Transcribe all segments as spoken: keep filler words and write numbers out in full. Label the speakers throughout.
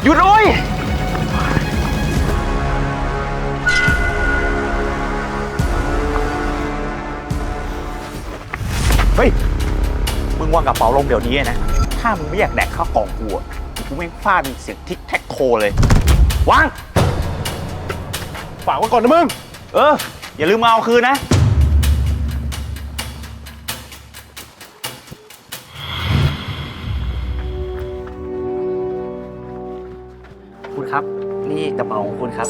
Speaker 1: หยุดโอ้ยเฮ้ยมึงวางกระเป๋าลงเดี๋ยวนี้นะถ้ามึงไม่อยากแดกข้าวกล่องกูอ่ะกูไม่ฟาดมึงเสียงทิกแท็กโคเลยวางฝากไว้ก่อนนะมึงเอออย่าลืมมาเอาคืนนะคุณครับนี่กระเป๋าของคุณครับ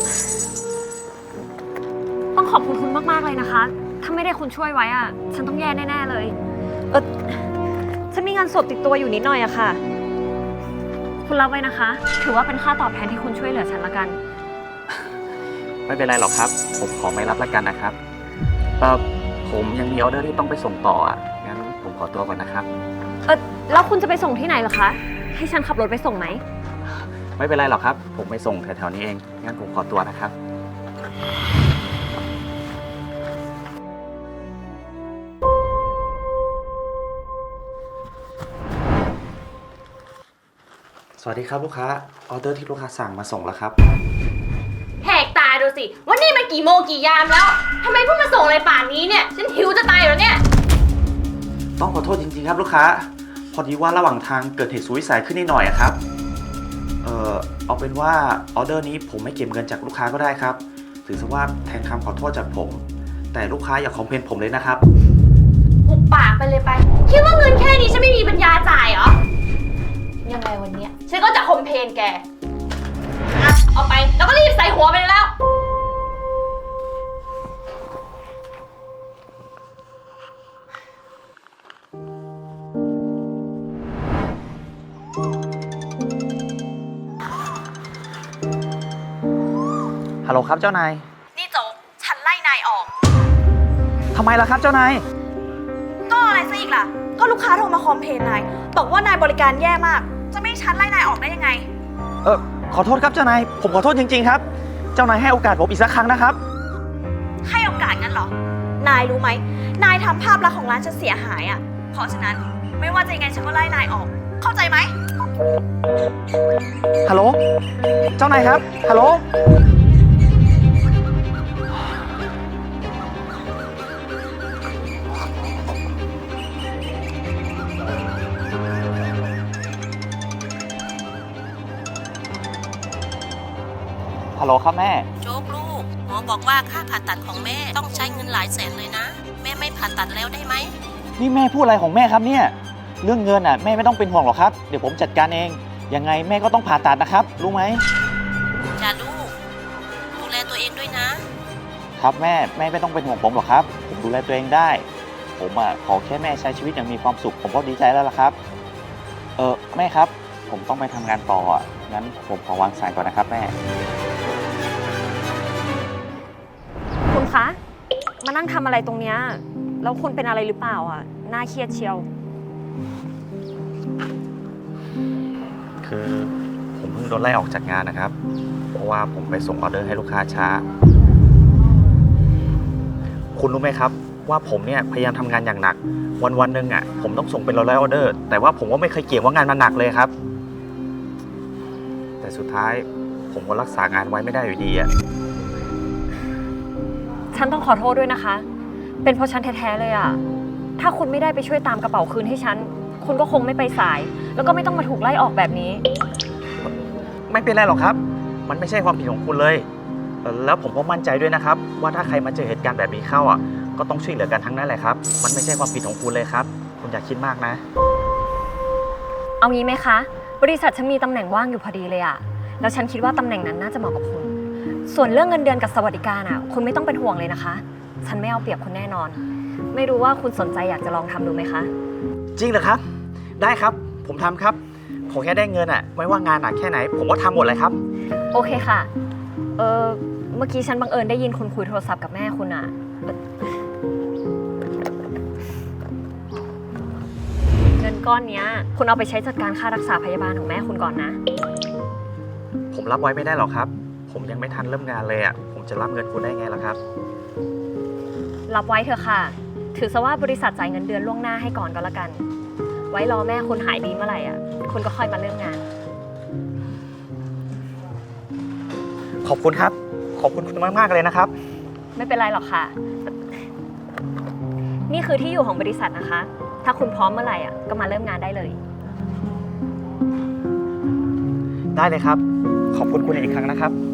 Speaker 2: ต้องขอบคุณคุณมากๆเลยนะคะถ้าไม่ได้คุณช่วยไว้อะฉันต้องแย่แน่ๆเลยเออฉันมีเงินสดติดตัวอยู่นิดหน่อยอะค่ะคุณรับไว้นะคะถือว่าเป็นค่าตอบแทนที่คุณช่วยเหลือฉันละกัน
Speaker 1: ไม่เป็นไรหรอกครับผมขอไม่รับละกันนะครับแต่ผมยังมีออเดอร์ที่ต้องไปส่งต่ออ่ะงั้นผมขอตัวก่อนนะครับ
Speaker 2: เออแล้วคุณจะไปส่งที่ไหนเหรอคะให้ฉันขับรถไปส่งไหม
Speaker 1: ไม่เป็นไรหรอกครับผมไปส่งแถวๆนี้เองงั้นผมขอตัวนะครับสวัสดีครับลูกค้าออเดอร์ที่ลูกค้าสั่งมาส่งแล้วครับ
Speaker 3: แหกตาดูสิว่านี่มันกี่โมงกี่ยามแล้วทำไมเพิ่งมาส่งอะไรป่านนี้เนี่ยฉันหิวจะตายแล้วเนี่ย
Speaker 1: ต้องขอโทษจริงๆครับลูกค้าพอดีว่าระหว่างทางเกิดเหตุสุดวิสัยขึ้นนิดหน่อยครับเออเอาเป็นว่าออเดอร์นี้ผมไม่เก็บเงินจากลูกค้าก็ได้ครับถือซะว่าแทนคำขอโทษจากผมแต่ลูกค้าอย่าคอมเพลนผมเลยนะครับ
Speaker 3: หุบปากไปเลยไปคิดว่าเงินแค่นี้ฉันไม่มีปัญญาจ่ายเหรอยังไงวันนี้ฉันก็จะคอมเพลนแกอะเอาไปแล้วก็รีบใส่หัวไปเลยแล้ว
Speaker 1: ฮัลโหลครับเจ้านาย
Speaker 3: นี่โจ๊กฉันไล่นายออก
Speaker 1: ทำไมล่ะครับเจ้านาย
Speaker 3: ก็อะไรซะอีกล่ะก็ลูกค้าโทรมาคอมเพลนนายบอกว่านายบริการแย่มากจะไม่ให้ฉันไล่นายออกได้ยังไง
Speaker 1: เออขอโทษครับเจ้านายผมขอโทษจริงๆครับเจ้านายให้โอกาสผมอีกสักครั้งนะครับ
Speaker 3: ให้โอกาสงั้นเหรอนายรู้ไหมนายทำภาพลักษณ์ของร้านฉันเสียหายอ่ะเพราะฉะนั้นไม่ว่าจะยังไงฉันก็ไล่นายออกเข้าใจไหม
Speaker 1: ฮัลโหลเจ้านายครับฮัลโหลฮัลโหลครับแม่
Speaker 4: โจ๊กลูกหมอบอกว่าค่าผ่าตัดของแม่ต้องใช้เงินหลายแสนเลยนะแม่ไม่ผ่าตัดแล้วได้ไหม
Speaker 1: นี่แม่พูดอะไรของแม่ครับเนี่ยเรื่องเงินอ่ะแม่ไม่ต้องเป็นห่วงหรอกครับเดี๋ยวผมจัดการเองยังไงแม่ก็ต้องผ่าตัดนะครับรู้ไหม
Speaker 4: จ้าลูกดูแลตัวเองด้วยนะครับ
Speaker 1: แม่แม่ไม่ต้องเป็นห่วงผมหรอกครับผมดูแลตัวเองได้ผมอ่ะขอแค่แม่ใช้ชีวิตอย่างมีความสุขผมก็ดีใจแล้วล่ะครับเออแม่ครับผมต้องไปทำงานต่ออ่ะงั้นผมขอวางสายก่อนนะครับแม่
Speaker 2: คุณคะมานั่งทำอะไรตรงเนี้ยแล้วคุณเป็นอะไรหรือเปล่าอ่ะน่าเครียดเชียว
Speaker 1: คือผมเพิ่งโดนไล่ออกจากงานนะครับเพราะว่าผมไปส่งออเดอร์ให้ลูกค้าช้าคุณรู้ไหมครับว่าผมเนี่ยพยายามทำงานอย่างหนักวันวันหนึ่งอ่ะผมต้องส่งเป็นร้อยๆออเดอร์แต่ว่าผมก็ไม่เคยเกี่ยงว่างานมันหนักเลยครับแต่สุดท้ายผมก็รักษางานไว้ไม่ได้อยู่ดีอ่ะ
Speaker 2: ฉันต้องขอโทษด้วยนะคะเป็นเพราะฉันแท้ๆเลยอ่ะถ้าคุณไม่ได้ไปช่วยตามกระเป๋าคืนให้ฉันคุณก็คงไม่ไปสายแล้วก็ไม่ต้องมาถูกไล่ออกแบบนี้
Speaker 1: ไม่เป็นไรหรอกครับมันไม่ใช่ความผิดของคุณเลยแล้วผมก็มั่นใจด้วยนะครับว่าถ้าใครมาเจอเหตุการณ์แบบนี้เข้าอ่ะก็ต้องช่วยเหลือกันทั้งนั้นแหละครับมันไม่ใช่ความผิดของคุณเลยครับคุณอย่าคิดมากนะ
Speaker 2: เอางี้ไหมคะบริษัทฉันมีตำแหน่งว่างอยู่พอดีเลยอ่ะแล้วฉันคิดว่าตำแหน่งนั้นน่าจะเหมาะกับคุณส่วนเรื่องเงินเดือนกับสวัสดิการอ่ะคุณไม่ต้องเป็นห่วงเลยนะคะฉันไม่เอาเปรียบคุณแน่นอนไม่รู้ว่าคุณสนใจอยากจะลองทำดูไหมคะ
Speaker 1: จริงเหรอครับได้ครับผมทำครับขอแค่ได้เงินอ่ะไม่ว่างานหนักแค่ไหนผมก็ทำหมดเลยครับ
Speaker 2: โอเคค่ะเออเมื่อกี้ฉันบังเอิญได้ยินคุณคุยโทรศัพท์กับแม่คุณอ่ะเงินก้อนนี้คุณเอาไปใช้จัดการค่ารักษาพยาบาลของแม่คุณก่อนนะ
Speaker 1: ผมรับไว้ไม่ได้หรอกครับผมยังไม่ทันเริ่มงานเลยอ่ะผมจะรับเงินคุณได้ไงล่ะครับ
Speaker 2: รับไว้เถอะค่ะถือซะว่าบริษัทจ่ายเงินเดือนล่วงหน้าให้ก่อนก็แล้วกันไว้รอแม่คุณหายดีเมื่อไหร่อ่ะคุณก็ค่อยมาเริ่มงาน
Speaker 1: ขอบคุณครับ ขอบคุณคุณมากๆเลยนะครับ
Speaker 2: ไม่เป็นไรหรอกค่ะ นี่คือที่อยู่ของบริษัทนะคะ ถ้าคุณพร้อมเมื่อไหร่อ่ะก็มาเริ่มงานได้เลย
Speaker 1: ได้เลยครับ ขอบคุณคุณอีกครั้งนะครับ